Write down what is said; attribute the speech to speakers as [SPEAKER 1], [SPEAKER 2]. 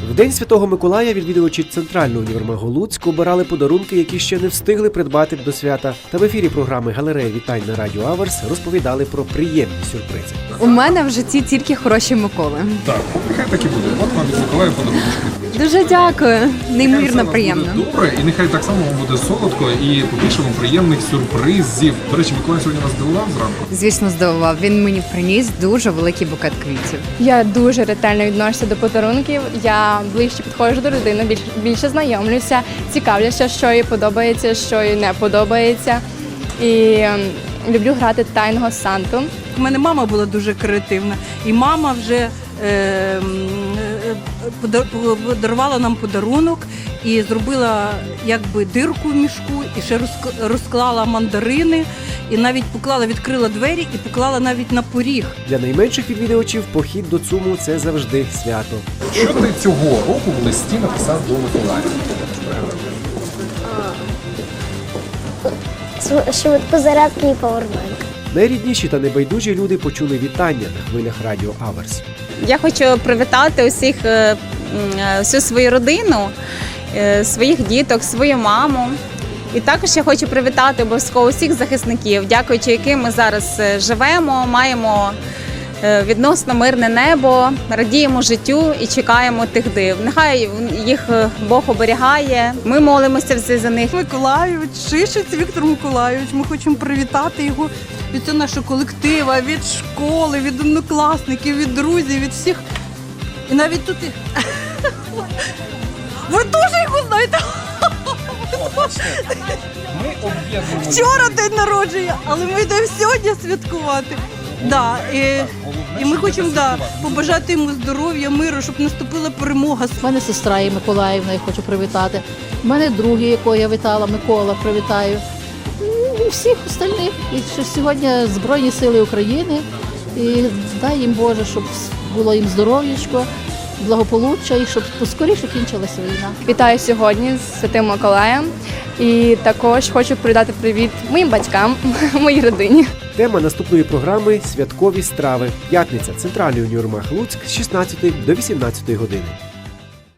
[SPEAKER 1] В День Святого Миколая відвідувачі Центрального універмагу Луцьк обирали подарунки, які ще не встигли придбати до свята. Та в ефірі програми «Галерея вітань» на Радіо Аверс розповідали про приємні сюрпризи.
[SPEAKER 2] У мене в житті тільки хороші Миколи.
[SPEAKER 3] Так, нехай так і буде. От вам від Миколая подарунок.
[SPEAKER 2] Дуже дякую. Неймовірно приємно.
[SPEAKER 3] Буде добре, і нехай так само вам буде солодко і побільше вам приємних сюрпризів. До речі, Миколай сьогодні вас здивував зранку?
[SPEAKER 2] Звісно, здивував. Він мені приніс дуже великий букет квітів.
[SPEAKER 4] Я дуже ретельно відношуся до подарунків. Я ближче підходжу до людини, більше знайомлюся, цікавлюся, що їй подобається, що їй не подобається. І люблю грати тайного Санту.
[SPEAKER 5] У мене мама була дуже креативна, і мама вже подарувала нам подарунок і зробила якби дирку в мішку, і ще розклала мандарини, і навіть відкрила двері і поклала навіть на поріг.
[SPEAKER 1] Для найменших відвідувачів похід до ЦУМу – це завжди свято.
[SPEAKER 3] Що ти цього року в листі написав до Миколая?
[SPEAKER 6] Швидкозарядки і павербанк.
[SPEAKER 1] Найрідніші та небайдужі люди почули вітання на хвилях Радіо Аверс.
[SPEAKER 7] Я хочу привітати всю свою родину, своїх діток, свою маму. І також я хочу привітати обов'язково всіх захисників, дякуючи яким ми зараз живемо, маємо відносно мирне небо, радіємо життю і чекаємо тих див. Нехай їх Бог оберігає, ми молимося всі за них.
[SPEAKER 5] Миколайович, Шишець Віктор Миколайович, ми хочемо привітати його від цього нашого колективу, від школи, від однокласників, від друзів, від всіх. І навіть тут ви теж його знаєте.
[SPEAKER 3] Ми об'єднуємо.
[SPEAKER 5] Вчора день народження, але ми йдемо сьогодні святкувати. Да, і ми хочемо побажати йому здоров'я, миру, щоб наступила перемога.
[SPEAKER 8] У мене сестра є Миколаївна, я хочу привітати. У мене другий, якого я вітала, Микола, привітаю. І всіх остальних. І що сьогодні Збройні Сили України. І дай їм Боже, щоб було їм здоров'ячко, благополуччя і щоб поскоріше кінчилася війна.
[SPEAKER 4] Вітаю сьогодні з Святим Миколаєм. І також хочу передати привіт моїм батькам, моїй родині.
[SPEAKER 1] Тема наступної програми – святкові страви. П'ятниця. Центральний універмаг Луцьк з 16 до 18 години.